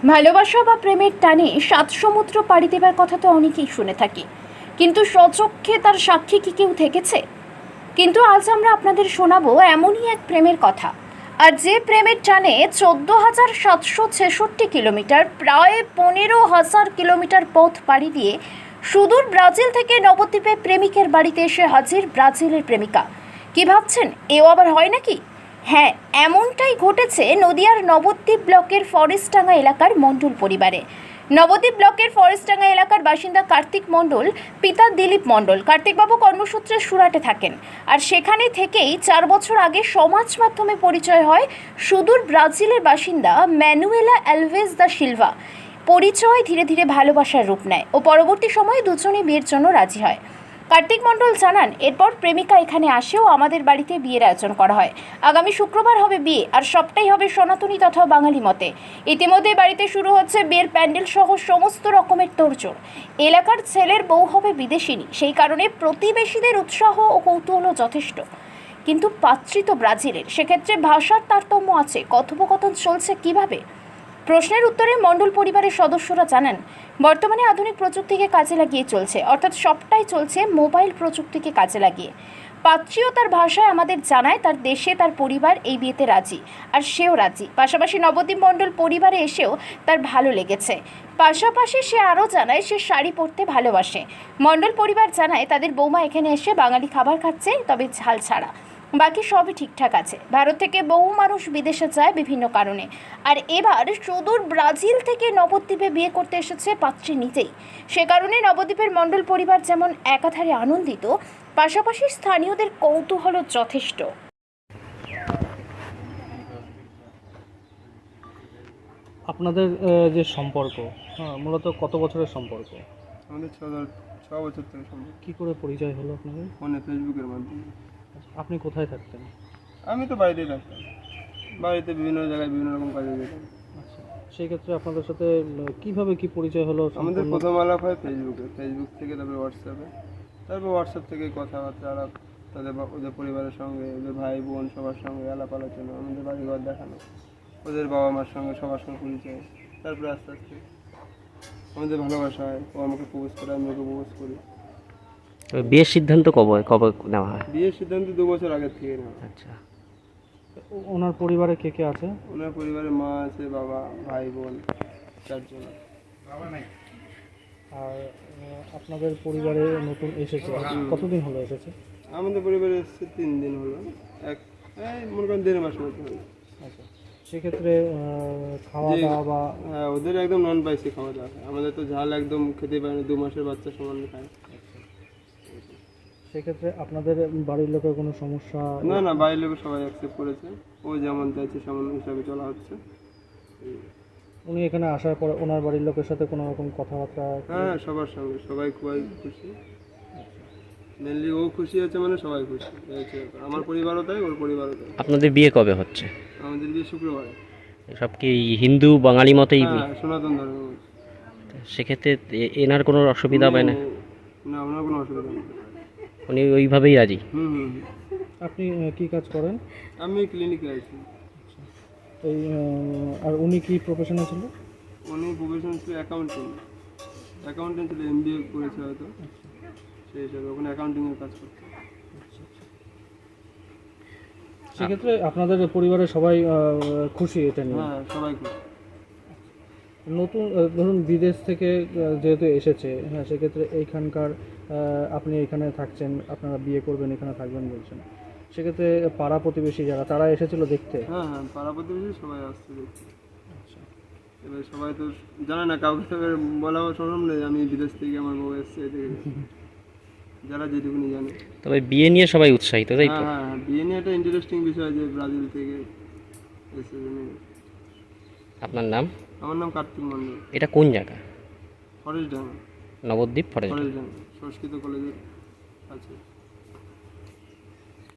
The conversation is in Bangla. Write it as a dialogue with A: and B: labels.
A: ভালোবাসা বা প্রেমের টানে সাত সমুদ্র পাড়ি দেবার কথা তো অনেকেই শুনে থাকি, কিন্তু স্বচক্ষে তার সাক্ষী কি কেউ থেকেছে? কিন্তু আজ আমরা আপনাদের শোনাবো এমনই এক প্রেমের কথা। আর যে প্রেমের টানে 14,766 কিলোমিটার, প্রায় 15,000 কিলোমিটার পথ পাড়ি দিয়ে সুদূর ব্রাজিল থেকে নবদ্বীপে প্রেমিকের বাড়িতে এসে হাজির ব্রাজিলের প্রেমিকা। কি ভাবছেন, এও আবার হয় নাকি? হ্যাঁ, এমনটাই ঘটেছে নদিয়ার নবদ্বীপ ব্লকের ফরেস্টডাঙ্গা এলাকার মণ্ডল পরিবারে। নবদ্বীপ ব্লকের ফরেস্টডাঙ্গা এলাকার বাসিন্দা কার্তিক মণ্ডল, পিতা দিলীপ মণ্ডল। কার্তিকবাবু কর্মসূত্রে সুরাটে থাকেন, আর সেখানে থেকেই 4 বছর আগে সমাজ মাধ্যমে পরিচয় হয় সুদূর ব্রাজিলের বাসিন্দা ম্যানুয়েলা অ্যালভেজ দা সিলভা। পরিচয় ধীরে ধীরে ভালোবাসার রূপ নেয় ও পরবর্তী সময়ে দুজনেই বিয়ের জন্য রাজি হয়। কার্তিক মণ্ডল জানান, এরপর প্রেমিকা এখানে আসেও আমাদের বাড়িতে বিয়ের আয়োজন করা হয়। আগামী শুক্রবার হবে বিয়ে, আর সবটাই হবে সনাতনী তথা বাঙালি মতে। ইতিমধ্যে বাড়িতে শুরু হচ্ছে বিয়ের প্যান্ডেল সহ সমস্ত রকমের তোড়জোড়। এলাকার ছেলের বউ হবে বিদেশিনী, সেই কারণে প্রতিবেশীদের উৎসাহ ও কৌতূহল যথেষ্ট। কিন্তু পাত্রী তো ব্রাজিলের, সেক্ষেত্রে ভাষার তারতম্য আছে। কথোপকথন চলছে কিভাবে? প্রশ্নের উত্তরে মণ্ডল পরিবারের সদস্যরা জানান, বর্তমানে আধুনিক প্রযুক্তিকে কাজে লাগিয়ে চলছে, অর্থাৎ সবটাই চলছে মোবাইল প্রযুক্তিকে কাজে লাগিয়ে। পাত্রীও তার ভাষায় আমাদের জানায় তার দেশে তার পরিবার এই বিয়েতে রাজি, আর সেও রাজি। পাশাপাশি নবদ্বীপ মণ্ডল পরিবারে এসেও তার ভালো লেগেছে। পাশাপাশি সে আরও জানায় সে শাড়ি পরতে ভালোবাসে। মণ্ডল পরিবার জানায় তাদের বৌমা এখানে এসে বাঙালি খাবার খাচ্ছে, তবে ঝাল ছাড়া। বাকি সবই ঠিকঠাক আছে। ভারত থেকে বহু মানুষ বিদেশে যায় বিভিন্ন কারণে, আর এবার সুদূর ব্রাজিল থেকে নবদ্বীপে বিয়ে করতে এসেছে পাত্রী নিজেই। সে কারণে নবদ্বীপের মণ্ডল পরিবার যেমন একাধারে আনন্দিত, পাশাপাশি স্থানীয়দের কৌতূহল যথেষ্ট।
B: আপনাদের যে সম্পর্ক, মূলত কত বছরের সম্পর্ক?
C: আমাদের ছ বছর থেকে সম্ভব।
B: কি করে পরিচয় হলো আপনাদের?
C: ফোনে, ফেসবুকের মাধ্যমে।
B: আপনি কোথায় থাকতেন?
C: আমি তো বাড়িতেই থাকতাম, বাড়িতে বিভিন্ন জায়গায় বিভিন্ন রকম কাজে যেতাম।
B: আচ্ছা, সেই ক্ষেত্রে আপনাদের সাথে কিভাবে কি পরিচয় হলো?
C: আমাদের প্রথম আলাপ হয় ফেসবুকে, ফেসবুক থেকে তারপরে হোয়াটসঅ্যাপে, তারপর হোয়াটসঅ্যাপ থেকে কথাবার্তা আলাপ, ওদের পরিবারের সঙ্গে, ওদের ভাই বোন সবার সঙ্গে আলাপ আলোচনা, আমাদের বাড়িঘর দেখানো, ওদের বাবা মার সঙ্গে সবার সঙ্গে পরিচয়। তারপরে আস্তে আস্তে আমাদের ভালোবাসা হয়, ও আমাকে প্রপোজ করে, আমি ওকে প্রপোজ করি।
D: বিয়ের সিদ্ধান্ত কবে কবে নেওয়া হয়?
C: বিয়ের সিদ্ধান্ত 2 বছর আগের থেকে নেওয়া।
D: আচ্ছা,
B: ওনার পরিবারে কে কে আছে?
C: ওনার পরিবারে মা আছে, বাবা, ভাই বোন, 4 জন।
B: আর আপনাদের পরিবারে নতুন এসেছে, কতদিন হলো এসেছে?
C: আমাদের পরিবারে এসেছে 3 দিন হলো, মনে করেন 1.5 মাস মতো হলো।
B: আচ্ছা, সেক্ষেত্রে খাওয়া দাওয়া বা
C: হ্যাঁ, ওদের একদম নন স্পাইসি খাওয়া দাওয়া হয়, আমাদের তো ঝাল একদম খেতে পারে না, 2 মাসের বাচ্চা সমান খায়।
B: সেক্ষেত্রে আপনাদের বাড়ির লোকের কোনো সমস্যা?
C: না না, বাইরের লোক সবাই অ্যাকসেপ্ট করেছে, ও যেমন চাইছে সেমন হিসাবে চলা হচ্ছে।
B: উনি এখানে আসার পরে ওনার বাড়ির লোকের সাথে কোনো রকম কথাবার্তা?
C: হ্যাঁ, সবার সঙ্গে সবাই খুবই খুশি। মেনলি ও খুশি আছে মানে সবাই খুশি হয়েছে, আমার পরিবারও তাই, ওর পরিবারও তাই।
D: আপনাদের বিয়ে কবে হচ্ছে?
C: আমাদের বিয়ে শুক্রবারে।
D: সব কি হিন্দু বাঙালি মতেই?
C: হ্যাঁ, সনাতন ধর্ম।
D: সেক্ষেত্রে এনার কোনো অসুবিধা হবে না?
C: না, ওনার কোনো অসুবিধা নেই।
D: উনি ওইভাবেই রাজি?
C: হুম।
B: আপনি কি কাজ করেন?
C: আমি ক্লিনিকে আছি।
B: এই আর উনি কি প্রফেশনে ছিল?
C: উনি প্রফেশন ছিল অ্যাকাউন্টেন্ট ছিল, MBA করেছে হয়তো, সেই হিসাবে ওখানে অ্যাকাউন্টিংয়ের কাজ করতো।
B: সেক্ষেত্রে আপনাদের পরিবারের সবাই খুশি এটা নিয়ে?
C: হ্যাঁ, সবাই খুশি।
B: নতুন ধরুন বিদেশ থেকে যেহেতু এসেছে, হ্যাঁ, সেক্ষেত্রে এইখানকার আপনি এখানে থাকছেন, আপনারা বিয়ে করবেন, এখানে থাকবেন বলছেন, সেক্ষেত্রে পাড়া প্রতিবেশী যারা, তারা এসেছিল দেখতে?
C: হ্যাঁ, পাড়া প্রতিবেশী সবাই আসছে দেখতে। আচ্ছা, এবার সবাই তো জানে না, কাউকে তো বলা সম্ভব নেই আমি বিদেশ থেকে আমার বউ এসছে, যারা যেটুকুনি জানে।
D: তবে বিয়ে নিয়ে সবাই উৎসাহিত, তাই তো?
C: হ্যাঁ, বিয়ে নিয়ে একটা ইন্টারেস্টিং বিষয় যে ব্রাজিল থেকে এসে।
D: আপনার নাম?
C: আমার নাম কার্তিক মণ্ডল।
D: এটা কোন জায়গা?
C: ফরেস্টডাঙ্গা,
D: নবদ্বীপ ফরেস্ট।
C: ফরেস্টডাঙ্গা সংস্কৃত কলেজের আছে।